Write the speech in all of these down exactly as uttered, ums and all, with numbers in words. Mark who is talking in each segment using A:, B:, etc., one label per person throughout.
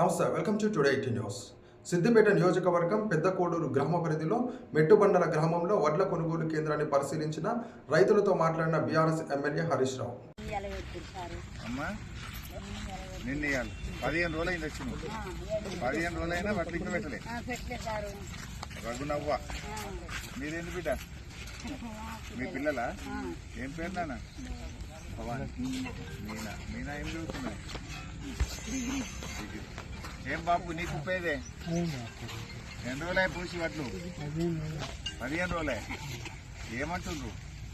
A: నమస్తే, welcome to today eighteen news. Siddipet నియోజకవర్గం పెద్దకోడూరు గ్రామ పరిధిలో మెట్టుబండల గ్రామంలో వడ్ల కొనుగోలు కేంద్రాన్ని పరిశీలించిన రైతులతో మాట్లాడిన బీఆర్ఎస్ ఎమ్మెల్యే హరీష్ రావు.
B: పదిహేను రోజులు అయింది వచ్చింది పదిహేను రోజులైనా వడ్లు ఇంకా పెట్టలే రఘునవ్వ మీరేంటి బిడ్డ మీ పిల్లలా ఏం పేరు నాన్న మీనా మీనా ఏం చదువుతున్నాయి ఏం బాబు నీకు ఉపయోగే ఎన్ని రోజులే పూసి వడ్లు పదిహేను రోజులే ఏమంటుండ్రు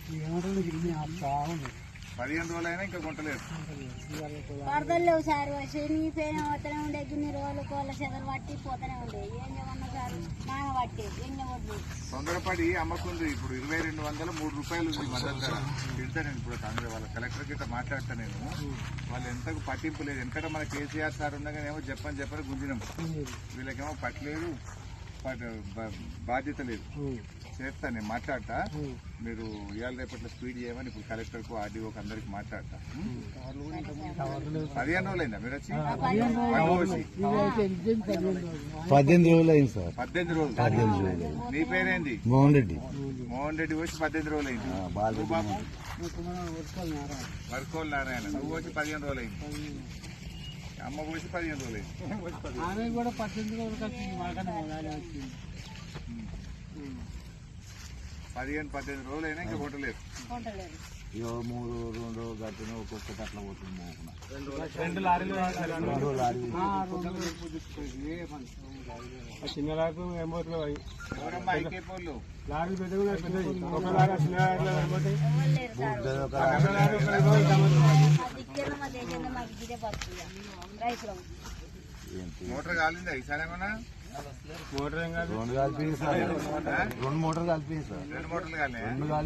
B: పదిహేను రోజులైనా ఇంకా కొంటలేదు
C: వరదలు లేవు సార్ శనిపోయిన పోతూనే ఉండే గిన్ని రోజులు కోళ్ళ చెదలు పట్టి పోతూనే ఉండే ఏం చేయమన్నా సార్ నాన్న పట్టి ఏం చేయవద్దు
B: తొందరపడి అమ్మకుంది ఇప్పుడు ఇరవై రెండు వందల మూడు రూపాయలు ఉంది మద్దతు ధర తింటా నేను ఇప్పుడు కాంగ్రెస్ వాళ్ళ కలెక్టర్ గిట్ట మాట్లాడతా నేను వాళ్ళు ఎంతకు పట్టింపు లేదు ఎందుకంటే మన కేసీఆర్ సార్ ఉండగానేమో చెప్పని చెప్పని గుంజినాం వీళ్ళకేమో పట్టలేదు బాధ్యత లేదు చేస్తా నేను మాట్లాడతా మీరు ఇవాళ రేపట్లో స్పీడ్ చేయమని ఇప్పుడు కలెక్టర్కు ఆర్డీఓకి అందరికి మాట్లాడతా పదిహేను రోజులైందా మీరు వచ్చి
D: పద్దెనిమిది రోజులు అయింది సార్
B: పద్దెనిమిది రోజులు
D: పద్దెనిమిది రోజులు
B: నీ పేరేంది
D: మోహన్ రెడ్డి
B: మోహన్ రెడ్డి వచ్చి పద్దెనిమిది రోజులు అయింది బాబు వర్కోల్ నారాయణ నువ్వు వచ్చి పదిహేను రోజులు అయింది అమ్మ పోసి పదిహేను రోజులు అయింది
E: కూడా పద్దెనిమిది రోజులు వచ్చింది
B: పదిహేను పద్దెనిమిది రోజులు అయినా ఇంకా కొట్టలేదు
D: ఇగో మూడు రెండు గట్టిన ఒక్కొక్కటి అట్లా పోతుంది
E: రెండు లారీలు చిన్న లారీ ఏం పోతున్నాయి
B: ఎవరమ్మా ఐకేపోళ్ళు
E: లారీ పెద్ద పెద్దది ఒక లారీ చిన్న
B: మోటార్ కాలిందా ఈసారి ఏమన్నా
E: మోటార్ ఏం కాదు
D: రెండు కలిపి సార్ రెండు మోటార్లు కలిపి సార్
B: రెండు మోటార్లు కాలే